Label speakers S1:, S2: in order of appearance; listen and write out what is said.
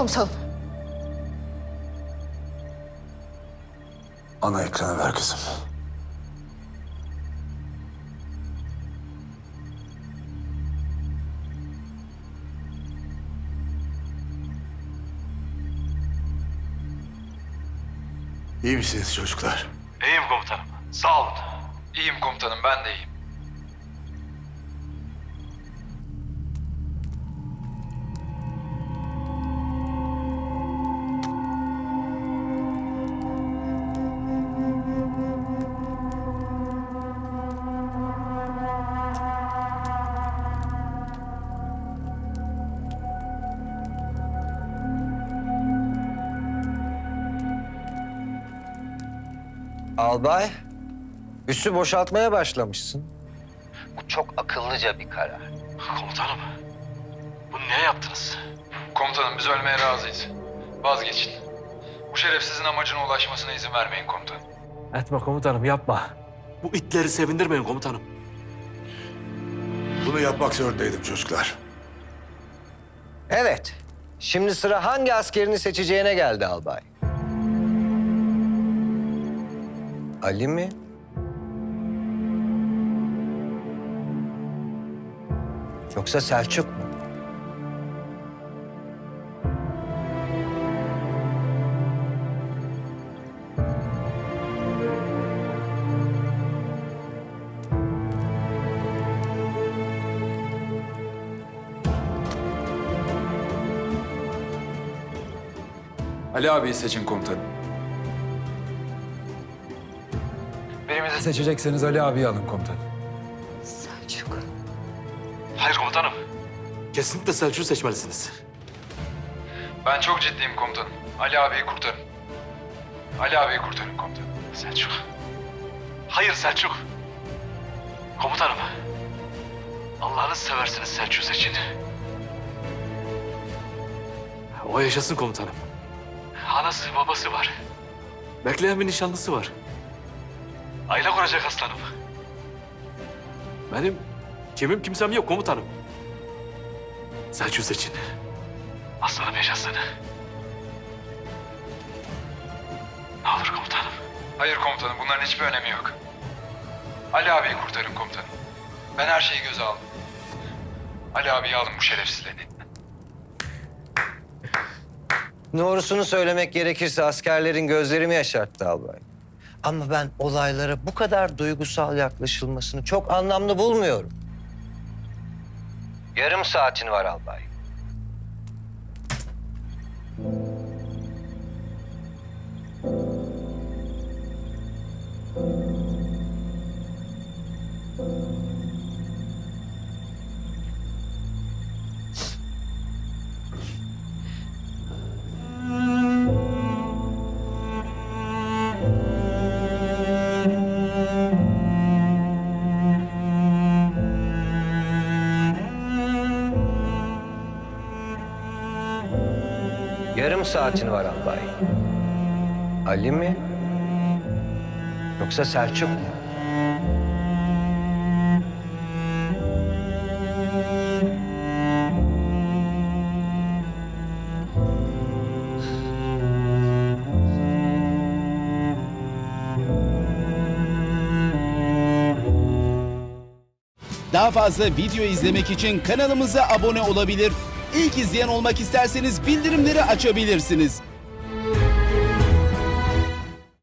S1: komutanım.
S2: Ana ekrana ver kızım. İyi misiniz çocuklar?
S3: İyiyim komutanım. Sağ olun. İyiyim komutanım, ben de iyiyim.
S4: Albay, üssü boşaltmaya başlamışsın.
S5: Bu çok akıllıca bir karar.
S3: Komutanım, bunu niye yaptınız? Komutanım, biz ölmeye razıyız. Vazgeçin. Bu şerefsizin amacına ulaşmasına izin vermeyin komutanım.
S6: Etme komutanım, yapma.
S7: Bu itleri sevindirmeyin komutanım.
S2: Bunu yapmak zorundaydım çocuklar.
S4: Evet, şimdi sıra hangi askerini seçeceğine geldi albay. Ali mi? Yoksa Selçuk mu?
S3: Ali abiyi seçin komutanım.
S6: Birimizi seçecekseniz Ali abiyi alın komutanım.
S1: Selçuk.
S3: Hayır komutanım.
S7: Kesinlikle Selçuk'u seçmelisiniz.
S3: Ben çok ciddiyim komutanım. Ali abiyi kurtarın. Ali abiyi kurtarın komutanım.
S7: Selçuk. Hayır Selçuk. Komutanım. Allah'ını seversiniz Selçuk'u seçin. O yaşasın komutanım. Anası babası var. Bekleyen bir nişanlısı var. Aile kuracak aslanım. Benim kimim kimsem yok komutanım. Selçuk'u seçin. Aslanım yaşasın. Ne olur komutanım.
S3: Hayır komutanım, bunların hiçbir önemi yok. Ali abiyi kurtarın komutanım. Ben her şeyi göze aldım. Ali abiyi alın bu şerefsizlerin elinden.
S4: Doğrusunu söylemek gerekirse askerlerin gözlerimi yaşarttı albay. Ama ben olaylara bu kadar duygusal yaklaşılmasını çok anlamlı bulmuyorum. Yarım saatin var albay. Yarım saatin var albay. Ali mi? Yoksa Selçuk mu?
S8: Daha fazla video izlemek için kanalımıza abone olabilir. İlk izleyen olmak isterseniz bildirimleri açabilirsiniz.